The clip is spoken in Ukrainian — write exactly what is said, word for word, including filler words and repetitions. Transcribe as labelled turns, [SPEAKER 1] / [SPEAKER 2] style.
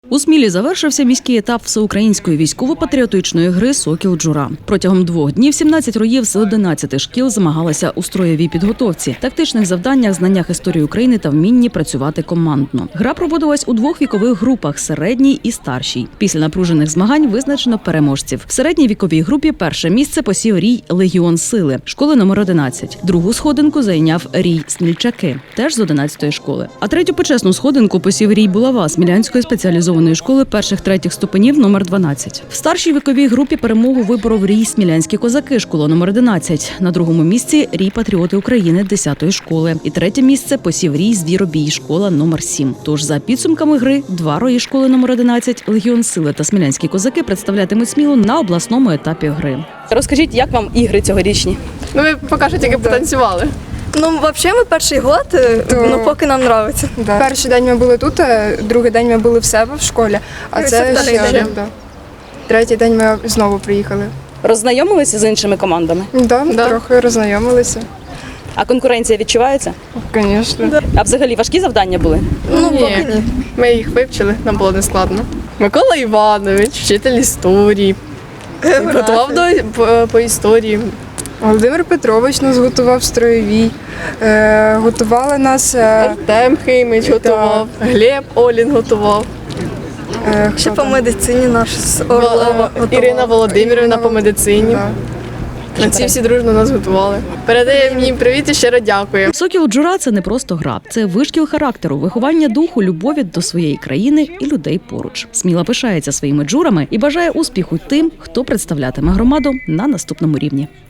[SPEAKER 1] У Смілі завершився міський етап всеукраїнської військово-патріотичної гри «Сокіл Джура». Протягом двох днів сімнадцять роїв з одинадцяти шкіл змагалися у строєвій підготовці, тактичних завданнях, знаннях історії України та вмінні працювати командно. Гра проводилась у двох вікових групах – середній і старшій. Після напружених змагань визначено переможців. В середній віковій групі перше місце посів рій «Легіон Сили» школи номер одинадцять. Другу сходинку зайняв рій «Смільчаки» теж з одинадцятої школи. А третю почесну сходинку посів рій «Булава» Смілянської спеціалізованої школи перших-третіх ступенів номер дванадцять. В старшій віковій групі перемогу виборов рій «Смілянські козаки» школа номер одинадцять. На другому місці рій «Патріоти України» десятої школи. І третє місце посів рій «Звіробій» школа номер сім. Тож за підсумками гри два рої школи номер одинадцять, «Легіон Сили» та «Смілянські козаки» представлятимуть Смілу на обласному етапі гри.
[SPEAKER 2] Розкажіть, як вам ігри цьогорічні?
[SPEAKER 3] Ну, ми поки що тільки потанцювали.
[SPEAKER 4] Ну, взагалі, ми перший год,
[SPEAKER 3] То-
[SPEAKER 4] ну, поки нам подобається.
[SPEAKER 3] Да. Перший день ми були тут, а другий день ми були в себе в школі, а
[SPEAKER 4] І
[SPEAKER 3] це
[SPEAKER 4] це
[SPEAKER 3] ще
[SPEAKER 4] вторий день.
[SPEAKER 3] да. Третій день ми знову приїхали.
[SPEAKER 2] Роззнайомилися з іншими командами?
[SPEAKER 3] Да, да. Трохи роззнайомилися.
[SPEAKER 2] А конкуренція відчувається?
[SPEAKER 3] Звісно.
[SPEAKER 2] А взагалі важкі завдання були?
[SPEAKER 4] Ну, поки ні.
[SPEAKER 3] Ми їх вивчили, нам було не складно. Микола Іванович, вчитель історії, готував до, по, по історії. Володимир Петрович нас готував строєвій, е, готували нас е, Артем Химич готував, Глеб Олін готував. Е,
[SPEAKER 4] Ще
[SPEAKER 3] хто
[SPEAKER 4] по
[SPEAKER 3] там?
[SPEAKER 4] медицині наш з
[SPEAKER 3] Вол-
[SPEAKER 4] Орлова готувала.
[SPEAKER 3] Ірина Володимирівна по медицині. На ці всі дружно нас готували. Передаємо їм привіт і щиро дякуємо.
[SPEAKER 1] «Сокіл Джура» – це не просто гра. Це вишкіл характеру, виховання духу, любові до своєї країни і людей поруч. Сміла пишається своїми джурами і бажає успіху тим, хто представлятиме громаду на наступному рівні.